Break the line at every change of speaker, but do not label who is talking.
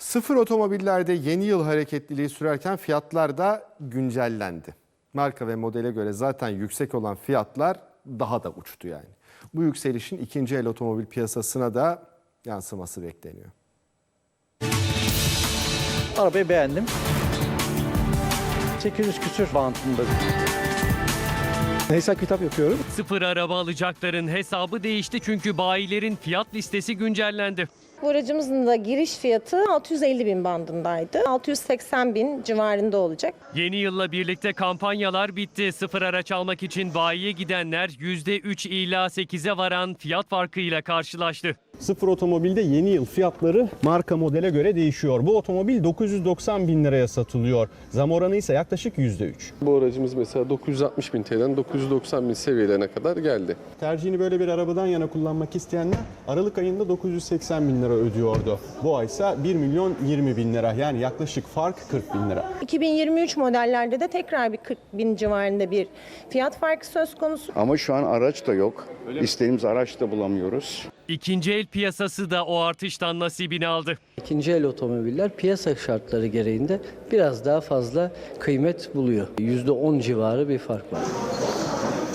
Sıfır otomobillerde yeni yıl hareketliliği sürerken fiyatlar da güncellendi. Marka ve modele göre zaten yüksek olan fiyatlar daha da uçtu yani. Bu yükselişin ikinci el otomobil piyasasına da yansıması bekleniyor.
Arabayı beğendim. 800 küsür bantında. Hesap kitap yapıyorum.
Sıfır araba alacakların hesabı değişti çünkü bayilerin fiyat listesi güncellendi.
Bu aracımızın da giriş fiyatı 650 bin bandındaydı. 680 bin civarında olacak.
Yeni yılla birlikte kampanyalar bitti. Sıfır araç almak için bayiye gidenler %3 ila 8'e varan fiyat farkıyla karşılaştı.
Sıfır otomobilde yeni yıl fiyatları marka modele göre değişiyor. Bu otomobil 990 bin liraya satılıyor. Zam oranı ise yaklaşık %3.
Bu aracımız mesela 960 bin TL'den 990 bin seviyelerine kadar geldi.
Tercihini böyle bir arabadan yana kullanmak isteyenler Aralık ayında 980 bin lira ödüyordu. Bu ay ise 1 milyon 20 bin lira, yani yaklaşık fark 40 bin lira.
2023 modellerde de tekrar bir 40 bin civarında bir fiyat farkı söz konusu.
Ama şu an araç da yok. İstediğimiz araç da bulamıyoruz.
İkinci el piyasası da o artıştan nasibini aldı.
İkinci el otomobiller piyasa şartları gereğinde biraz daha fazla kıymet buluyor. %10 civarı bir fark var.